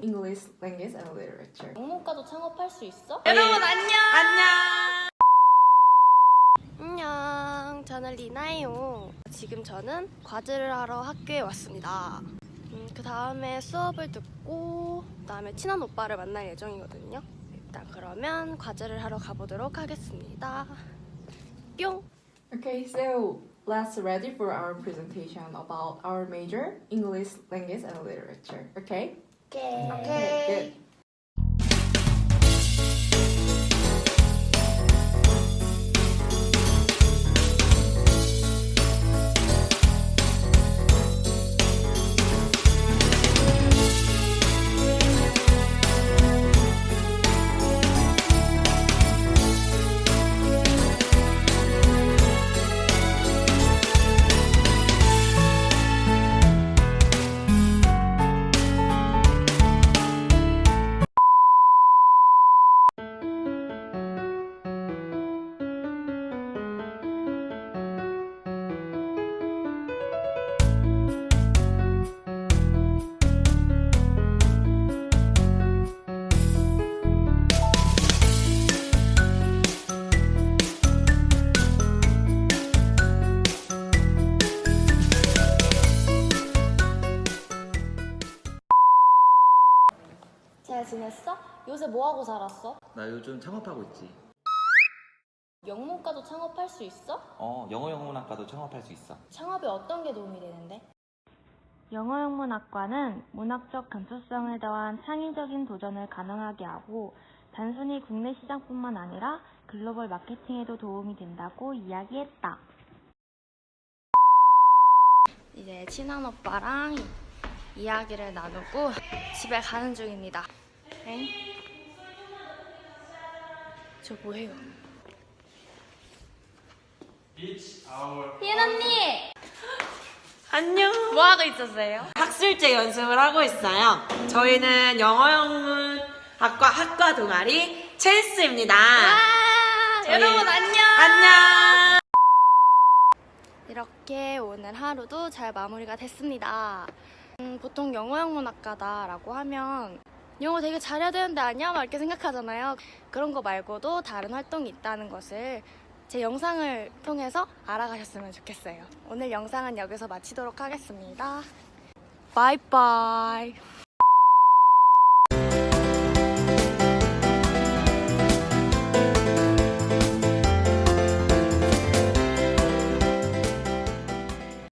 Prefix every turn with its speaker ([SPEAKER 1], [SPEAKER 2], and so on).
[SPEAKER 1] English Language and Literature.
[SPEAKER 2] 영문과도 창업할 수 있어?
[SPEAKER 3] 여러분 안녕!
[SPEAKER 2] 안녕, 저는 리나예요. 지금 저는 과제를 하러 학교에 왔습니다. 그 다음에 수업을 듣고 그 다음에 친한 오빠를 만날 예정이거든요. 일단 그러면 과제를 하러 가보도록 하겠습니다. 뿅!
[SPEAKER 1] Okay, so let's ready for our presentation about our major, English Language and Literature. Okay?
[SPEAKER 2] 오케이.
[SPEAKER 1] Good.
[SPEAKER 2] 잘 지냈어? 요새 뭐하고 살았어?
[SPEAKER 4] 나 요즘 창업하고 있지.
[SPEAKER 2] 영문과도 창업할 수 있어?
[SPEAKER 4] 영어영문학과도 창업할 수 있어.
[SPEAKER 2] 창업에 어떤 게 도움이 되는데?
[SPEAKER 5] 영어영문학과는 문학적 감수성을 더한 창의적인 도전을 가능하게 하고 단순히 국내 시장뿐만 아니라 글로벌 마케팅에도 도움이 된다고 이야기했다.
[SPEAKER 2] 이제 친한 오빠랑 이야기를 나누고 집에 가는 중입니다. 엥? 저 뭐해요? 희은 언니!
[SPEAKER 3] 안녕!
[SPEAKER 2] 뭐하고 있었어요?
[SPEAKER 3] 학술제 연습을 하고 있어요. 저희는 영어영문학과 학과 동아리 첼스입니다.
[SPEAKER 2] 여러분 안녕!
[SPEAKER 3] 안녕!
[SPEAKER 2] 이렇게 오늘 하루도 잘 마무리가 됐습니다. 보통 영어영문학과다라고 하면 영어 되게 잘해야 되는데 아니야? 막 이렇게 생각하잖아요. 그런 거 말고도 다른 활동이 있다는 것을 제 영상을 통해서 알아가셨으면 좋겠어요. 오늘 영상은 여기서 마치도록 하겠습니다. 바이바이.